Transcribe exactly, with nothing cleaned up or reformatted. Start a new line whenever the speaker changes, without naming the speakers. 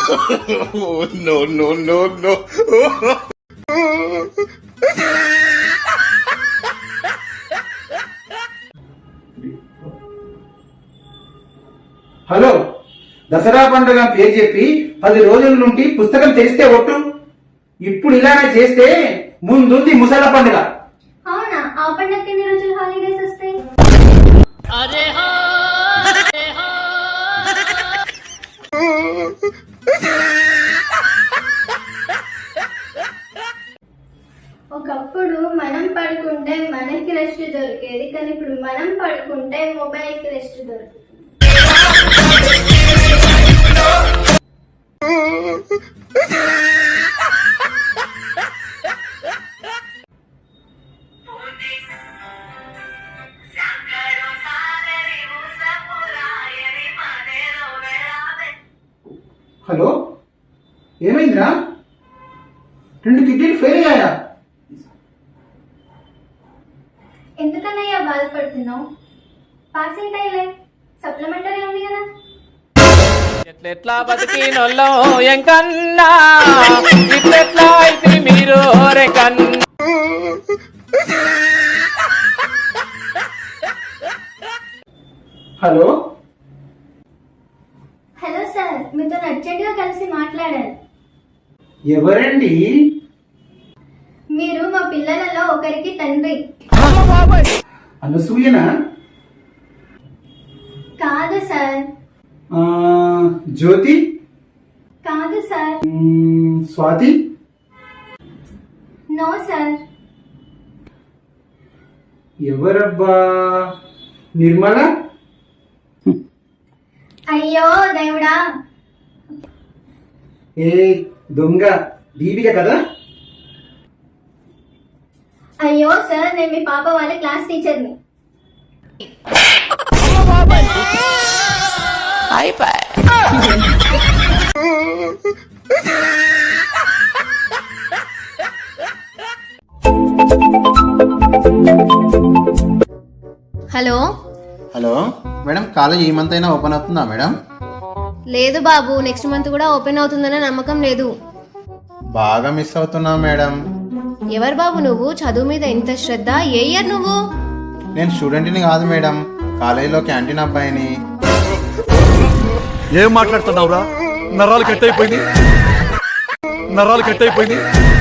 no, no, no, no.
Hello, Dasara పండుగ పేరు చెప్పి పది రోజుల నుండి పుస్తకం తెరిస్తే ఒట్టు. ఇప్పుడు ఇలానే చేస్తే ముందుంది ముసల పండుగ.
అవునా? ఆ పండుగకి ఎన్ని రోజులు హాలిడేస్ వస్తాయి? ఒకప్పుడు మనం పడుకుంటే మనకి రెస్ట్ దొరికేది, కానీ ఇప్పుడు మనం పడుకుంటే మొబైల్ కి రెస్ట్ దొరుకుతుంది.
హలో, ఏమైందిరా? రెండు కిడ్నీలు ఫెయిల్ అయ్యాయా?
ఎందుకన్నయ్యా బాధపడుతున్నావు? పాసింగ్ అయ్యలే, సప్లిమెంటరీ ఉంది కదా.
ఎట్లెట్లా బతికినోళ్ళో ఎంకన్నా, ఇట్లెట్లా అయితే మీరు రెకన్నా.
హలో
హలో సార్, మీతో అర్జెంట్ గా కలిసి మాట్లాడాలి.
ఎవరండి?
మీరు మా పిల్లలలో ఒకరికి తండ్రి.
అనసూయనా?
కాదు సార్.
ఆ, జ్యోతి?
కాదు సార్.
మ్మ్, స్వాతి?
No sir.
ఎవరబ్బా? నిర్మల?
అయ్యో దేవుడా!
ఏ దొంగ, దీపిక కదా?
అయ్యో సార్, నేను మీ పాప వాళ్ళ క్లాస్ టీచర్ని.
హలో
హలో మేడం, కాలేజ్ ఈ మంత్ అయినా ఓపెన్ అవుతుందా మేడం?
లేదు బాబు, నెక్స్ట్ మంత్ కూడా ఓపెన్ అవుతుందనే నమ్మకం లేదు.
బాగా మిస్ అవుతున్నా మేడం.
ఎవరు బాబు నువ్వు? చదువు మీద ఇంత శ్రద్ధ? ఏ ఇయర్ నువ్వు?
నేను స్టూడెంట్ని కాదు మేడం, కాలేజీలో క్యాంటీన్ అబ్బాయిని.
ఏం మాట్లాడుతున్నావురా? నరాలు కట్ అయిపోయింది, నరాలు కట్ అయిపోయింది.